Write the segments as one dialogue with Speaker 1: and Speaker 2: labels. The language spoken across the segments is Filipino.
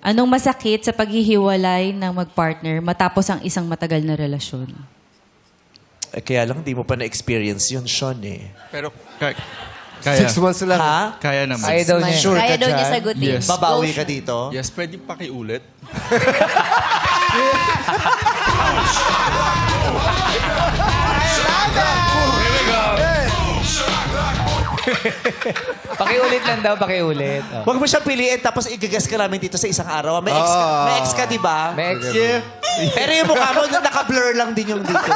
Speaker 1: Anong masakit sa paghihiwalay ng mag-partner matapos ang isang matagal na relasyon?
Speaker 2: Eh, kaya lang, di mo pa na-experience yun, Sean, eh.
Speaker 3: Pero, kaya.
Speaker 4: 6 months lang.
Speaker 2: Ha?
Speaker 3: Kaya naman.
Speaker 4: Kaya daw niya.
Speaker 2: Sure
Speaker 5: Kaya
Speaker 2: ka
Speaker 5: daw niya
Speaker 2: dyan?
Speaker 5: sagutin.
Speaker 3: Yes.
Speaker 2: Babawi ka dito?
Speaker 3: Yes, pwede pakiulit.
Speaker 4: Pakiulit lang daw, pakiulit. Oh.
Speaker 2: Huwag mo siya piliin tapos igagas ka namin dito sa isang araw. May ex ka, di ba?
Speaker 4: May ex.
Speaker 2: Pero yung mukha mo, naka-blur lang din yung dito.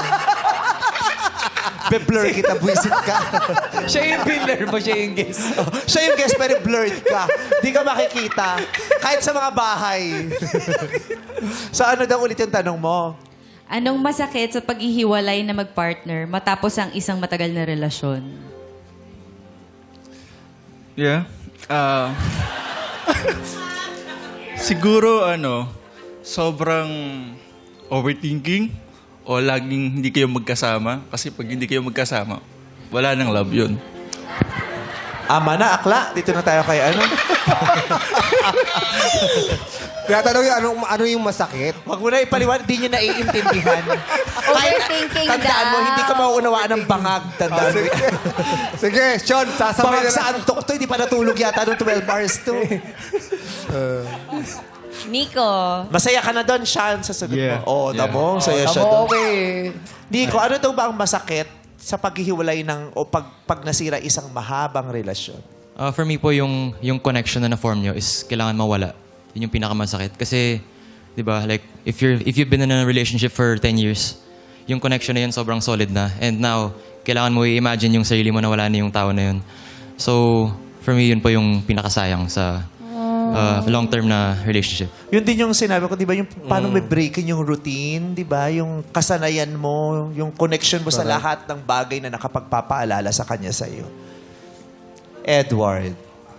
Speaker 2: Be-blur kita, buisit ka.
Speaker 4: Siya yung builder mo, siya yung guest.
Speaker 2: Siya yung guest, pero blurred ka. Di ka makikita. Kahit sa mga bahay. So ano daw ulit yung tanong mo?
Speaker 1: Anong masakit sa paghihiwalay na mag-partner matapos ang isang matagal na relasyon?
Speaker 3: Yeah. Siguro, sobrang overthinking o laging hindi kayo magkasama. Kasi pag hindi kayo magkasama, wala nang love yun.
Speaker 2: Ama na, akla. Dito na tayo kay ano.
Speaker 4: Tinatanong yung ano yung masakit?
Speaker 2: Huwag mo na ipaliwan, di nyo naiintindihan.
Speaker 5: Overthinking
Speaker 2: Tandaan mo,
Speaker 5: daw.
Speaker 2: hindi ka mauunawaan ng bangag. Tandaan mo.
Speaker 4: Sige, Sean, sasabay
Speaker 2: Bangag
Speaker 4: na
Speaker 2: sa antok to, hindi pa natulog yata nung 12 hours to.
Speaker 5: Nico.
Speaker 2: Masaya ka na doon, Sean, sa sagot
Speaker 3: Yeah.
Speaker 2: mo. Oh,
Speaker 3: Yeah.
Speaker 2: tamo, saya siya
Speaker 4: Tamo,
Speaker 2: doon.
Speaker 4: okay.
Speaker 2: Nico, ano daw ba ang masakit sa paghihiwalay ng, o pag nasira isang mahabang relasyon?
Speaker 6: For me po, yung connection na na-form nyo is kailangan mawala. Yun yung pinakamasakit. Kasi, di ba, like, if you've been in a relationship for 10 years, yung connection na yun sobrang solid na. And now, kailangan mo i-imagine yung sarili mo na wala na yung tao na yun. So, for me, yun po yung pinakasayang sa long-term na relationship.
Speaker 2: Yun din yung sinabi ko, di ba, yung paano may breaking yung routine, di ba? Yung kasanayan mo, yung connection mo sa lahat ng bagay na nakapagpapaalala sa kanya sa iyo. Edward.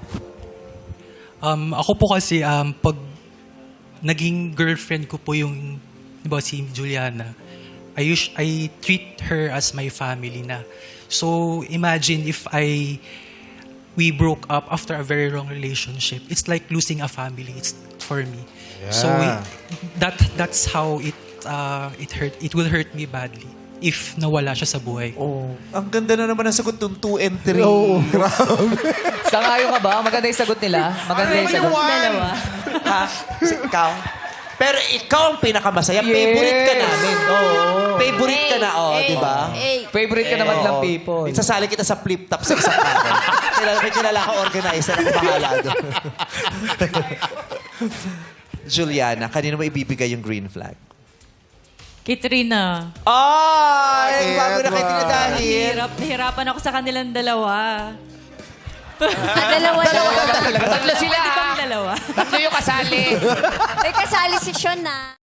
Speaker 7: Ako po kasi, pag naging girlfriend ko po yung, di ba, si Juliana, I treat her as my family na. So, imagine if we broke up after a very long relationship. It's like losing a family. It's for me.
Speaker 4: Yeah.
Speaker 7: So, that's how it hurt. It will hurt me badly if nawala siya sa buhay.
Speaker 2: Oh, ang ganda na naman ang sagot ng 2 and 3.
Speaker 4: Oo, grabe. Sangayo ka ba? Maganda yung sagot nila. Maganda yung sagot.
Speaker 5: Dalawa.
Speaker 2: Ha? Ikaw? Pero ikaw ang pinakamasaya. Favorite ka namin. Favorite ka na, di ba?
Speaker 4: Favorite ka naman lang
Speaker 2: Oo.
Speaker 4: people.
Speaker 2: Sasali kita sa flip-top sa isang kanan. May kilala ka organizer. Ako bahala doon. Juliana, kanino mo ibibigay yung green flag?
Speaker 1: Katrina.
Speaker 2: Ay! Bago na kayo tinadahil.
Speaker 1: Nahirapan ako sa kanilang dalawa.
Speaker 5: Dalawa.
Speaker 4: Tatlo sila.
Speaker 1: Pwede bang dalawa?
Speaker 4: Tatlo yung kasali.
Speaker 5: May kasali si Sean na.